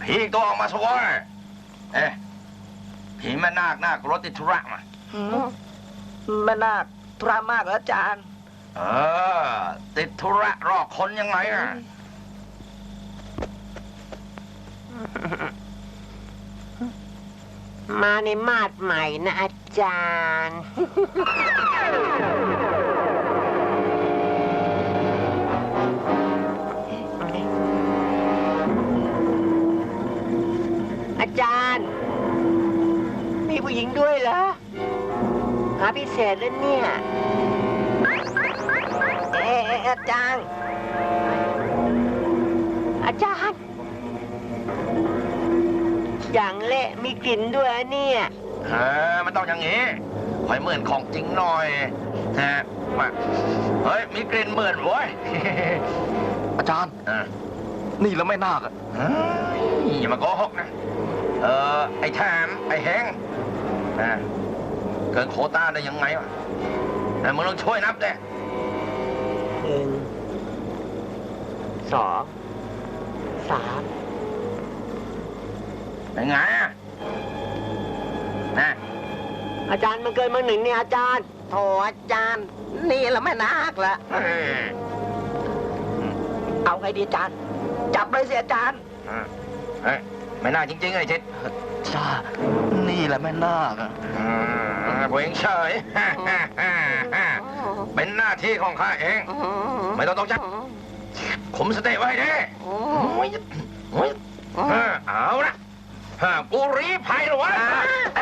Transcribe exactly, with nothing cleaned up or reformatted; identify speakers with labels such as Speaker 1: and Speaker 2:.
Speaker 1: ผีตัวออกมาสวยเอ๊ะผีแม่นาคนาครถติดธุระมา
Speaker 2: แม่นาคธุระมากเหรออาจารย์
Speaker 1: เออติดธุระรอคนยังไงอ่ะ
Speaker 3: มาในมาดใหม่นะอาจารย์อาจารย์มีผู้หญิงด้วยเหรอหาพิเศษแล้วเนี่ย
Speaker 2: เอ๊ะอาจารย์
Speaker 3: อาจารย์อย่างเละมีกลิ่นด้วยเนี่ย
Speaker 1: เออมันต้องอย่างนี้คอยเหมือนของจริงหน่อยฮะมาเฮ้ยมีกลิ่นเหมือนเว้ยอาจารย์นี่แล้วไม่นาคอ่ะอย่ามาโกหกนะเออไอ้แถมไอ้แหงนะเกินโควต้าได้ยังไงวะแต่มึงต้องช่วยนับเด้
Speaker 3: หนึ่งสองสาม
Speaker 1: เป็นไงอ่ะนะ
Speaker 3: อาจารย์มันเกินมาหนึ่งเนี่ยอาจารย์
Speaker 2: โถอาจารย์นี่แล้วแม่นาคละเอาไงดีอาจารย์จับเลยสิอาจารย์
Speaker 1: เฮ้ยไม่น่าจริงๆไอ้ชิด
Speaker 2: จ้านี่แหละแม่นาคอ่ะ
Speaker 1: ผมเองเฉยเป็นหน้าที่ของข้าเองไม่ต้องตกใจขุมสติไว้ดิเอาละกูรีภัยหรอวะ